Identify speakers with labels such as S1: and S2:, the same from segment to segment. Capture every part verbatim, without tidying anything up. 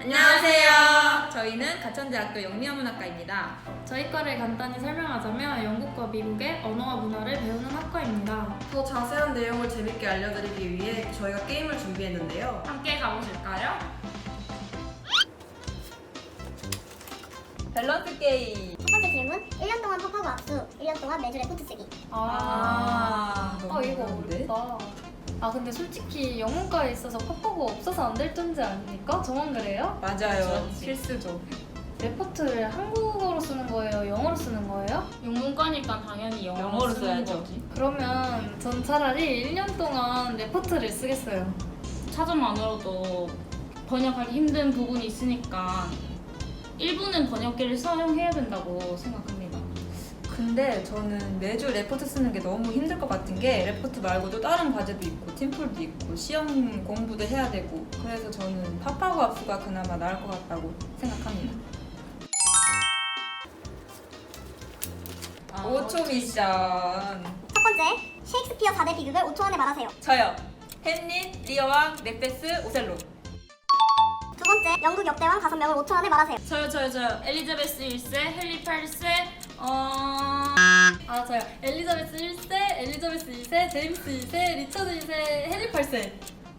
S1: 안녕하세요. 저희는 가천대학교 영미어문학과입니다.
S2: 저희 과를 간단히 설명하자면 영국과 미국의 언어와 문화를 배우는 학과입니다.
S3: 더 자세한 내용을 재밌게 알려드리기 위해 저희가 게임을 준비했는데요.
S1: 함께 가보실까요? 밸런스 게임.
S4: 첫 번째 질문, 일 년 동안 팝하고 압수, 일 년 동안 매주 레포트 쓰기.
S2: 아,
S1: 너무
S2: 아 이거
S1: 어려운데?
S2: 어렵다. 아 근데 솔직히 영문과에 있어서 팝하고 없어서 안 될 존재 아닙니까? 저만 그래요?
S1: 맞아요.
S3: 그렇지.
S1: 필수죠.
S2: 레포트를 한국어로 쓰는 거예요? 영어로 쓰는 거예요?
S5: 영문과니까 당연히 영어로,
S1: 영어로
S5: 쓰는
S1: 써야죠.
S5: 거지.
S2: 그러면 전 차라리 일 년 동안 레포트를 쓰겠어요.
S5: 차점만으로도 번역하기 힘든 부분이 있으니까 일부는 번역기를 사용해야 된다고 생각합니다.
S1: 근데 저는 매주 레포트 쓰는 게 너무 힘들 것 같은 게 레포트 말고도 다른 과제도 있고 팀플도 있고 시험 공부도 해야 되고 그래서 저는 팝하고 압수가 그나마 나을 것 같다고 생각합니다.
S5: 아,
S1: 오 초 미션.
S4: 첫 번째, 셰익스피어 사 대 비극을 오 초 안에 말하세요.
S1: 저요. 햄릿, 리어왕, 맥베스, 오셀로.
S4: 두 번째, 영국 역대왕 다섯 명을 오 초 안에 말하세요.
S5: 저요 저요 저요 엘리자베스 일 세, 헨리 팔 세, 어...
S2: 아 저요. 엘리자베스 일 세, 엘리자베스 이 세, 제임스 이 세, 리처드 이 세, 해리 팔 세.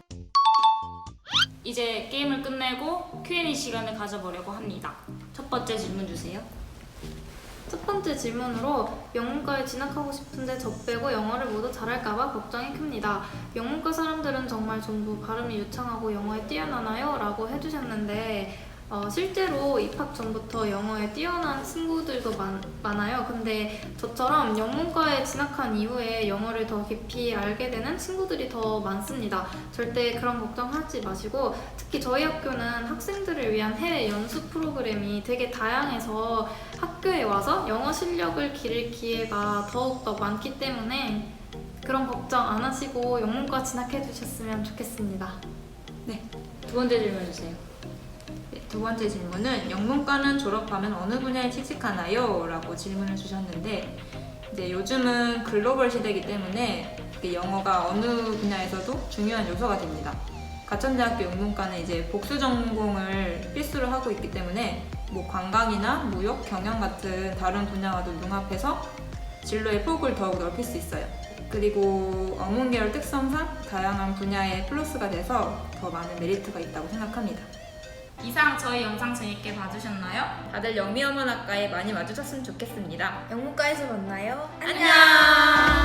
S5: 이제 게임을 끝내고 큐 앤 에이 시간을 가져보려고 합니다. 첫 번째 질문 주세요.
S2: 첫 번째 질문으로 영문과에 진학하고 싶은데 저 빼고 영어를 모두 잘할까봐 걱정이 큽니다. 영문과 사람들은 정말 전부 발음이 유창하고 영어에 뛰어나나요? 라고 해주셨는데 어, 실제로 입학 전부터 영어에 뛰어난 친구들도 많, 많아요. 근데 저처럼 영문과에 진학한 이후에 영어를 더 깊이 알게 되는 친구들이 더 많습니다. 절대 그런 걱정하지 마시고 특히 저희 학교는 학생들을 위한 해외 연수 프로그램이 되게 다양해서 학교에 와서 영어 실력을 기를 기회가 더욱더 많기 때문에 그런 걱정 안 하시고 영문과 진학해 주셨으면 좋겠습니다.
S5: 두 번째 질문 주세요.
S1: 네, 두 번째 질문은 영문과는 졸업하면 어느 분야에 취직하나요? 라고 질문을 주셨는데 이제 요즘은 글로벌 시대이기 때문에 이게 영어가 어느 분야에서도 중요한 요소가 됩니다. 가천대학교 영문과는 이제 복수 전공을 필수로 하고 있기 때문에 뭐 관광이나 무역, 경영 같은 다른 분야와도 융합해서 진로의 폭을 더욱 넓힐 수 있어요. 그리고 어문 계열 특성상 다양한 분야에 플러스가 돼서 더 많은 메리트가 있다고 생각합니다.
S5: 이상 저희 영상 재밌게 봐주셨나요?
S1: 다들 영미어문학과에 많이 와주셨으면 좋겠습니다.
S2: 영문과에서 만나요.
S1: 안녕!